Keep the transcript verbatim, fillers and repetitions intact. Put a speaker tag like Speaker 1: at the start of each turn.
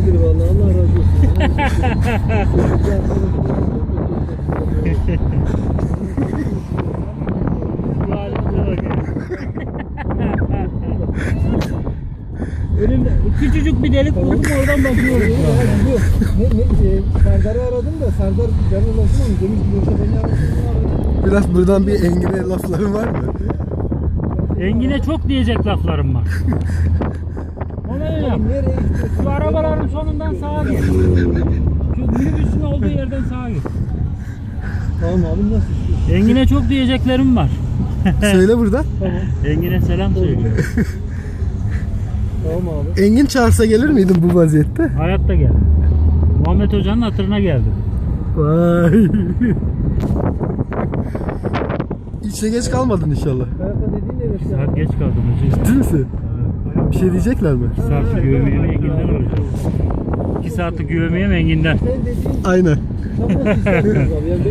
Speaker 1: iyidir vallahi. Allah razı olsun.
Speaker 2: Bu halimize bakın. Önümde küçücük bir delik buldum, oradan bakıyorum.
Speaker 1: Ne, ne, e, Serdar'ı aradım da Serdar ben ulaşım ama demiş ki yoksa beni aradım.
Speaker 3: Biraz buradan bir Engin'e lafların var mı?
Speaker 2: Engin'e çok diyecek laflarım var. Ona öyle yap.
Speaker 1: Nereye gidiyorsun?
Speaker 2: Şu arabaların sonundan sağa git. Şu minibüsün olduğu yerden sağa git.
Speaker 1: Tamam abi nasıl istiyorsun?
Speaker 2: Engin'e çok diyeceklerim var.
Speaker 3: Söyle burada.
Speaker 1: Tamam.
Speaker 2: Engin'e selam söyle.
Speaker 1: Tamam abi.
Speaker 3: Engin çağırsa gelir miydin bu vaziyette?
Speaker 2: Hayatta gel. Muhammed Hoca'nın hatırına geldim.
Speaker 3: Vay. İşe geç kalmadın inşallah.
Speaker 1: Hayatta dediğin ne işte?
Speaker 2: Saat geç kaldım hocam.
Speaker 3: Ciddi misin? Bir şey diyecekler mi?
Speaker 2: İki saatlik güvemeyem Engin'den olacak. İki saatlik güvemeyem Engin'den.
Speaker 1: Sen dediğin
Speaker 3: Aynen.
Speaker 1: tam nasıl istiyorsunuz abi? Yani